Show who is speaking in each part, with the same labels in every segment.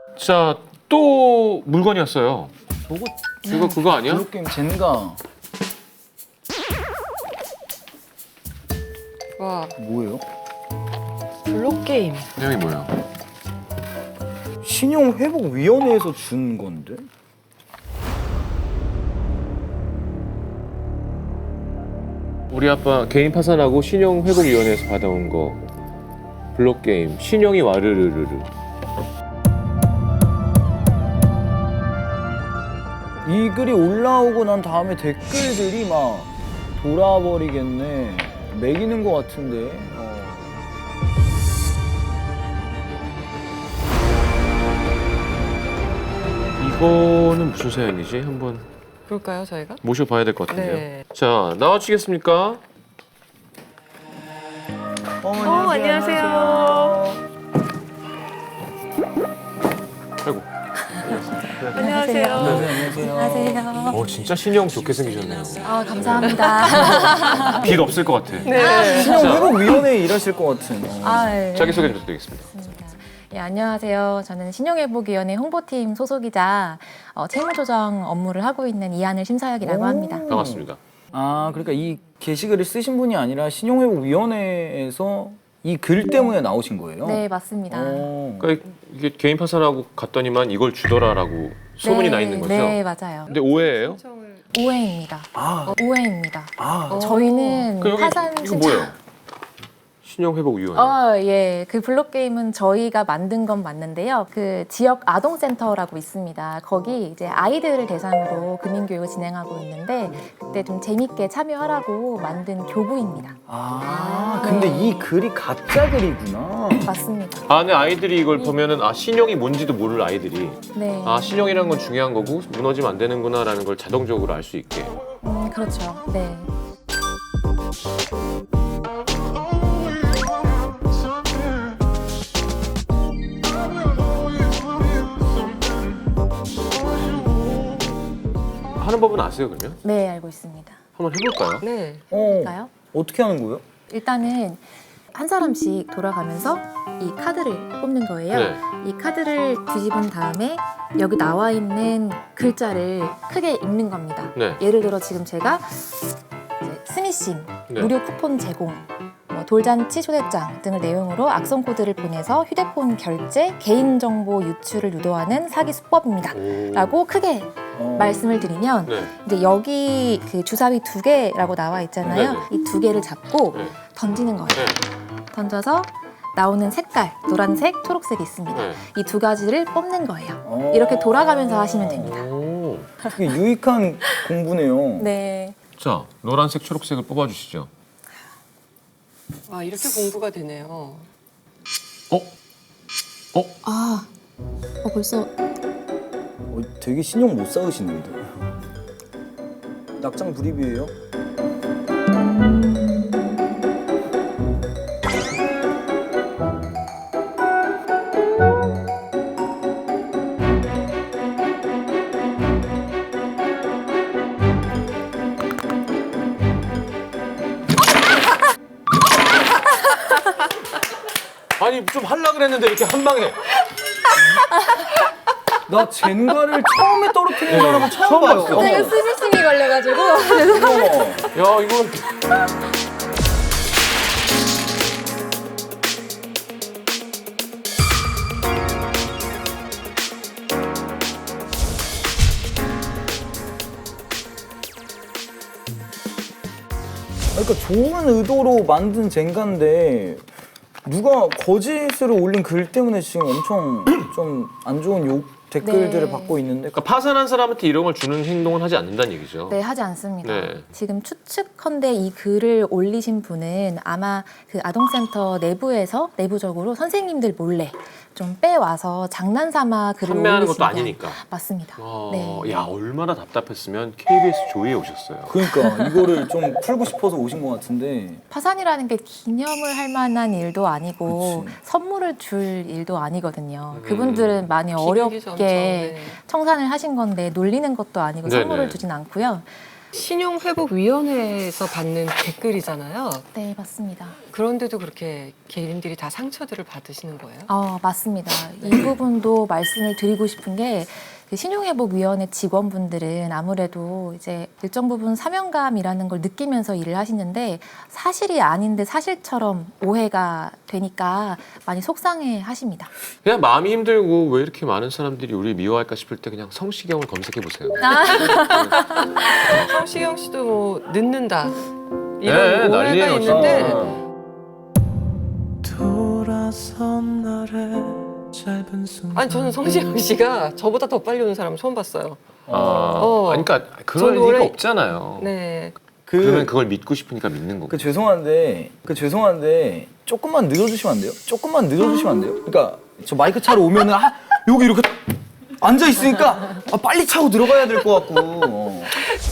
Speaker 1: 자, 또 물건이 왔어요.
Speaker 2: 저거
Speaker 1: 이거 그거 아니야?
Speaker 2: 블록게임 젠가
Speaker 3: 와,
Speaker 2: 뭐예요?
Speaker 3: 블록 게임.
Speaker 1: 내용이 뭐예요?
Speaker 2: 신용회복위원회에서 준 건데?
Speaker 1: 우리 아빠 개인 파산하고 신용회복위원회에서 받아온 거. 블록게임 신용이 와르르르르.
Speaker 2: 이 글이 올라오고 난 다음에 댓글들이 막 돌아버리겠네. 매기는 것 같은데.
Speaker 1: 이거는 무슨 사연이지? 한번
Speaker 3: 볼까요, 저희가?
Speaker 1: 모셔봐야 될 것 같은데요.
Speaker 3: 네.
Speaker 1: 자, 나와주시겠습니까?
Speaker 3: 안녕하세요.
Speaker 1: 아이고.
Speaker 3: 안녕하세요.
Speaker 2: 안녕하세요.
Speaker 1: 진짜 신용 좋게 생기셨네요.
Speaker 4: 아, 감사합니다.
Speaker 1: 빚 없을 것 같아.
Speaker 3: 네.
Speaker 2: 신용회복위원회에 일하실 것 같은.
Speaker 4: 아, 네.
Speaker 1: 자기소개 좀 부탁드리겠습니다.
Speaker 4: 예, 안녕하세요. 저는 신용회복위원회 홍보팀 소속이자 채무조정 업무를 하고 있는 이한을 심사역이라고 합니다.
Speaker 1: 반갑습니다.
Speaker 2: 아, 그러니까 이 게시글을 쓰신 분이 아니라 신용회복위원회에서 이 글 때문에 나오신 거예요?
Speaker 4: 네, 맞습니다.
Speaker 1: 그러니까 이게 개인 파산하고 갔더니만 이걸 주더라라고 소문이
Speaker 4: 네,
Speaker 1: 나 있는 거죠?
Speaker 4: 네, 맞아요.
Speaker 1: 근데 오해예요?
Speaker 4: 오해입니다.
Speaker 2: 아,
Speaker 4: 오해입니다.
Speaker 2: 아,
Speaker 4: 저희는
Speaker 1: 그 여기
Speaker 4: 파산
Speaker 1: 이거 뭐예요? 신용회복위원회.
Speaker 4: 예. 그 블록게임은 저희가 만든 건 맞는데요. 그 지역 아동센터라고 있습니다. 거기 이제 아이들을 대상으로 금융교육을 진행하고 있는데 그때 좀 재밌게 참여하라고 만든 교구입니다.
Speaker 2: 근데 이 글이 가짜 글이구나.
Speaker 4: 맞습니다.
Speaker 1: 안에 아이들이 이걸 보면은 신용이 뭔지도 모를 아이들이
Speaker 4: 네.
Speaker 1: 신용이라는 건 중요한 거고 무너지면 안 되는구나라는 걸 자동적으로 알 수 있게.
Speaker 4: 그렇죠. 네.
Speaker 1: 하는 법은 아세요 그러면?
Speaker 4: 네, 알고 있습니다.
Speaker 1: 한번 해볼까요?
Speaker 3: 네.
Speaker 4: 볼까요?
Speaker 2: 어떻게 하는 거예요?
Speaker 4: 일단은 한 사람씩 돌아가면서 이 카드를 뽑는 거예요.
Speaker 1: 네.
Speaker 4: 이 카드를 뒤집은 다음에 여기 나와 있는 글자를 크게 읽는 겁니다.
Speaker 1: 네.
Speaker 4: 예를 들어 지금 제가 이제 스미싱,
Speaker 1: 네.
Speaker 4: 무료 쿠폰 제공, 돌잔치 초대장 등을 내용으로 악성 코드를 보내서 휴대폰 결제, 개인정보 유출을 유도하는 사기 수법입니다.
Speaker 1: 오.
Speaker 4: 라고 크게 말씀을 드리면
Speaker 1: 네.
Speaker 4: 이제 여기 그 주사위 2개라고 나와 있잖아요.
Speaker 1: 네네.
Speaker 4: 이 2개를 잡고
Speaker 1: 네.
Speaker 4: 던지는 거예요.
Speaker 1: 네.
Speaker 4: 던져서 나오는 색깔, 노란색, 초록색이 있습니다.
Speaker 1: 네.
Speaker 4: 이 두 가지를 뽑는 거예요. 이렇게 돌아가면서 하시면 됩니다.
Speaker 1: 오.
Speaker 2: 되게 유익한 공부네요.
Speaker 4: 네.
Speaker 1: 자, 노란색, 초록색을 뽑아주시죠.
Speaker 3: 와, 이렇게 공부가 되네요.
Speaker 4: 벌써
Speaker 2: 되게 신용 못 쌓으시는데. 낙장 불입이에요?
Speaker 1: 아니 좀 하려 그랬는데 이렇게 한 방에.
Speaker 2: 나 젠가를 처음에 떨어뜨리는 사람은 처음 봤어.
Speaker 4: 제가 스미싱이 걸려가지고
Speaker 1: 야 이거.
Speaker 2: 그러니까 좋은 의도로 만든 젠가인데 누가 거짓으로 올린 글 때문에 지금 엄청 좀 안 좋은 욕 댓글들을
Speaker 4: 네.
Speaker 2: 받고 있는데
Speaker 1: 그러니까 파산한 사람한테 이런 걸 주는 행동은 하지 않는다는 얘기죠.
Speaker 4: 네, 하지 않습니다.
Speaker 1: 네.
Speaker 4: 지금 추측컨대 이 글을 올리신 분은 아마 그 아동센터 내부에서 내부적으로 선생님들 몰래 좀 빼와서 장난삼아 글을
Speaker 1: 판매하는
Speaker 4: 올리신
Speaker 1: 것도 아니니까.
Speaker 4: 맞습니다.
Speaker 1: 야 얼마나 답답했으면 KBS 조이에 오셨어요.
Speaker 2: 그러니까 이거를 좀 풀고 싶어서 오신 것 같은데
Speaker 4: 파산이라는 게 기념을 할 만한 일도 아니고
Speaker 2: 그치.
Speaker 4: 선물을 줄 일도 아니거든요. 그분들은 많이
Speaker 3: 기르기
Speaker 4: 어렵게
Speaker 3: 전처, 네.
Speaker 4: 청산을 하신 건데 놀리는 것도 아니고
Speaker 1: 네네.
Speaker 4: 선물을 주진 않고요.
Speaker 3: 신용회복위원회에서 받는 댓글이잖아요.
Speaker 4: 네, 맞습니다.
Speaker 3: 그런데도 그렇게 개인들이 다 상처들을 받으시는 거예요?
Speaker 4: 맞습니다. 이 부분도 말씀을 드리고 싶은 게 그 신용회복위원회 직원분들은 아무래도 이제 일정 부분 사명감이라는 걸 느끼면서 일을 하시는데 사실이 아닌데 사실처럼 오해가 되니까 많이 속상해 하십니다.
Speaker 1: 그냥 마음이 힘들고 왜 이렇게 많은 사람들이 우리를 미워할까 싶을 때 그냥 성시경을 검색해 보세요.
Speaker 3: 성시경 씨도 뭐 늦는다
Speaker 1: 네,
Speaker 3: 이런
Speaker 1: 난리예요,
Speaker 3: 오해가 있는데
Speaker 5: 돌아선 날의 짧은 순간
Speaker 3: 아니 저는 성시경 씨가 저보다 더 빨리 오는 사람 처음 봤어요.
Speaker 1: 아니, 그러니까 그럴
Speaker 3: 저는
Speaker 1: 리가
Speaker 3: 원래-
Speaker 1: 없잖아요.
Speaker 3: 네.
Speaker 1: 그러면 그걸 믿고 싶으니까 믿는 거고.
Speaker 2: 죄송한데 조금만 늦어주시면 안 돼요? 조금만 늦어주시면 안 돼요? 그러니까 저 마이크 차로 오면은 여기 이렇게 앉아 있으니까 빨리 차고 들어가야 될 것 같고.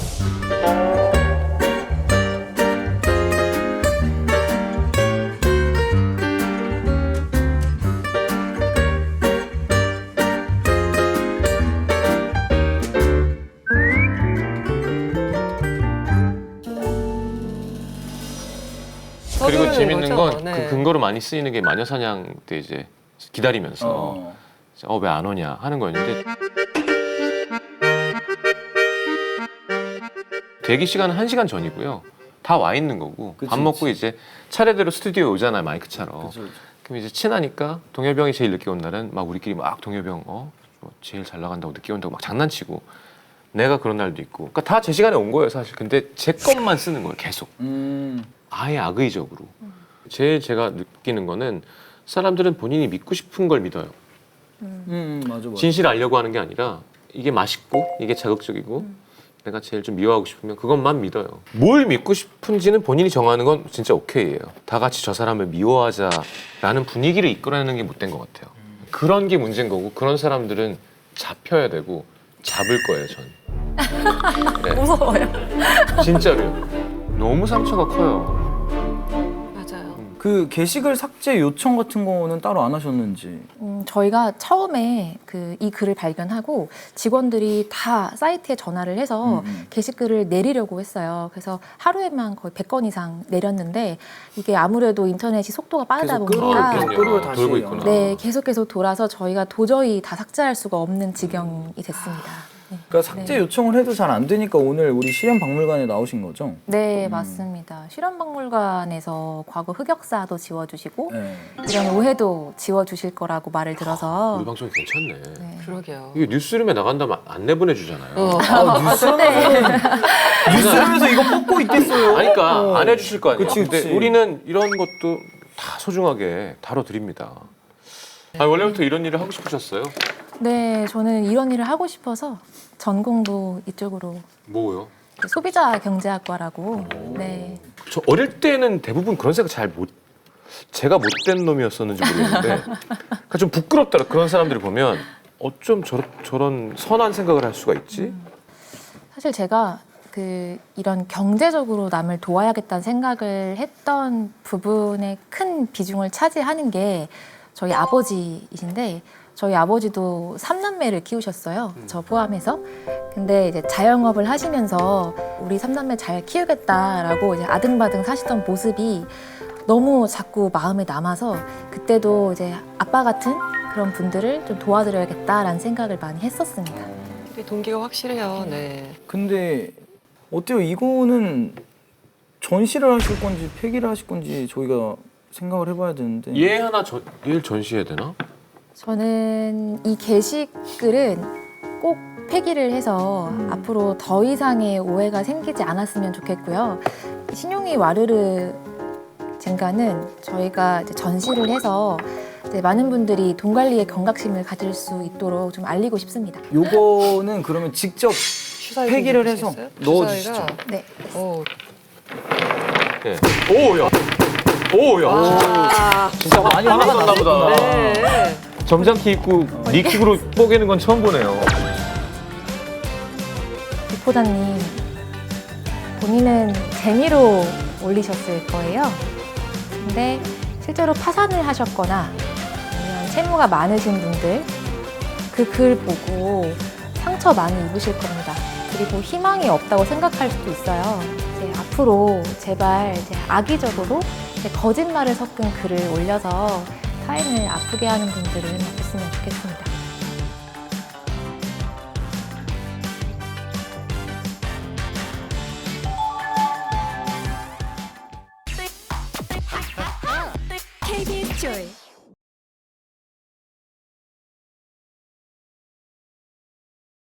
Speaker 1: 그리고
Speaker 3: 서두르는
Speaker 1: 재밌는
Speaker 3: 거죠?
Speaker 1: 건 그
Speaker 3: 네.
Speaker 1: 근거로 많이 쓰이는 게 마녀사냥 때 이제 기다리면서 왜 안 오냐 하는 거였는데 대기 시간은 1시간 전이고요. 다 와 있는 거고
Speaker 2: 그치,
Speaker 1: 밥 먹고
Speaker 2: 그치.
Speaker 1: 이제 차례대로 스튜디오에 오잖아요. 마이크차로.
Speaker 2: 그쵸, 그쵸.
Speaker 1: 그럼 이제 친하니까 동엽병이 제일 늦게 온 날은 막 우리끼리 막 동엽병 뭐 제일 잘 나간다고 늦게 온다고 막 장난치고 내가 그런 날도 있고 그러니까 다 제 시간에 온 거예요 사실. 근데 제 것만 쓰는 거예요 계속. 아예 악의적으로. 제일 제가 느끼는 거는 사람들은 본인이 믿고 싶은 걸 믿어요.
Speaker 2: 맞아.
Speaker 1: 진실을 알려고 하는 게 아니라 이게 맛있고 이게 자극적이고 내가 제일 좀 미워하고 싶으면 그것만 믿어요. 뭘 믿고 싶은지는 본인이 정하는 건 진짜 오케이예요. 다 같이 저 사람을 미워하자라는 분위기를 이끌어내는 게 못된 것 같아요. 그런 게 문제인 거고 그런 사람들은 잡혀야 되고 잡을 거예요 전. 네.
Speaker 4: 무서워요.
Speaker 1: 진짜로요. 너무 상처가 커요.
Speaker 3: 맞아요.
Speaker 2: 그 게시글 삭제 요청 같은 거는 따로 안 하셨는지.
Speaker 4: 저희가 처음에 이 글을 발견하고 직원들이 다 사이트에 전화를 해서 게시글을 내리려고 했어요. 그래서 하루에만 거의 100건 이상 내렸는데 이게 아무래도 인터넷이 속도가 빠르다
Speaker 2: 계속
Speaker 4: 보니까
Speaker 2: 끌어 다시
Speaker 1: 돌고 있구나.
Speaker 4: 네, 계속 돌아서 저희가 도저히 다 삭제할 수가 없는 지경이 됐습니다. 네.
Speaker 2: 그러니까 삭제 요청을 해도 잘 안 되니까 오늘 우리 실현박물관에 나오신 거죠?
Speaker 4: 네, 맞습니다. 실험박물관에서 과거 흑역사도 지워주시고
Speaker 2: 네.
Speaker 4: 이런 오해도 지워주실 거라고 말을 들어서
Speaker 1: 우리 방송이 괜찮네.
Speaker 4: 네.
Speaker 3: 그러게요.
Speaker 1: 이게 뉴스룸에 나간다면 안 내보내주잖아요.
Speaker 2: 뉴스룸에서 이거 뽑고 있겠어요?
Speaker 1: 아니, 그러니까 안 해주실 거 아니에요.
Speaker 2: 그치, 그치.
Speaker 1: 근데 우리는 이런 것도 다 소중하게 다뤄드립니다. 아니, 원래부터 이런 일을 하고 싶으셨어요?
Speaker 4: 네, 저는 이런 일을 하고 싶어서 전공도 이쪽으로
Speaker 1: 뭐요?
Speaker 4: 소비자 경제학과라고. 네.
Speaker 1: 저 어릴 때는 대부분 그런 생각 잘 못. 제가 못된 놈이었었는지 모르겠는데, 그러니까 좀 부끄럽더라. 그런 사람들을 보면 어쩜 저런 선한 생각을 할 수가 있지?
Speaker 4: 사실 제가 이런 경제적으로 남을 도와야겠다는 생각을 했던 부분에 큰 비중을 차지하는 게 저희 아버지이신데 저희 아버지도 3남매를 키우셨어요. 저 포함해서. 근데 이제 자영업을 하시면서 우리 3남매 잘 키우겠다라고 이제 아등바등 사시던 모습이 너무 자꾸 마음에 남아서 그때도 이제 아빠 같은 그런 분들을 좀 도와드려야겠다라는 생각을 많이 했었습니다.
Speaker 3: 동기가 확실해요. 네.
Speaker 2: 근데 어때요? 이거는 전시를 하실 건지 폐기를 하실 건지 저희가 생각을 해봐야 되는데.
Speaker 1: 얘 하나 얘를 전시해야 되나?
Speaker 4: 저는 이 게시글은 꼭 폐기를 해서 앞으로 더 이상의 오해가 생기지 않았으면 좋겠고요. 신용이 와르르 젠가는 저희가 이제 전시를 해서 이제 많은 분들이 돈 관리에 경각심을 가질 수 있도록 좀 알리고 싶습니다.
Speaker 2: 요거는 그러면 직접
Speaker 3: 주사위
Speaker 2: 폐기를
Speaker 3: 좀
Speaker 2: 해서
Speaker 3: 주시겠어요?
Speaker 2: 넣어주시죠.
Speaker 3: 주사위가
Speaker 4: 네.
Speaker 3: 오.
Speaker 1: 네. 오야. 오야.
Speaker 3: 아,
Speaker 2: 진짜 많이 화가
Speaker 1: 났나 보다.
Speaker 3: 네.
Speaker 1: 점잖게 입고 니킥으로 뽀개는 건 처음 보네요.
Speaker 4: 리포자님, 본인은 재미로 올리셨을 거예요. 근데 실제로 파산을 하셨거나 아니면 채무가 많으신 분들 그 글 보고 상처 많이 입으실 겁니다. 그리고 희망이 없다고 생각할 수도 있어요. 이제 앞으로 제발 이제 악의적으로 이제 거짓말을 섞은 글을 올려서 타인을 아프게 하는 분들은 없었으면 좋겠습니다.
Speaker 6: KBS 조이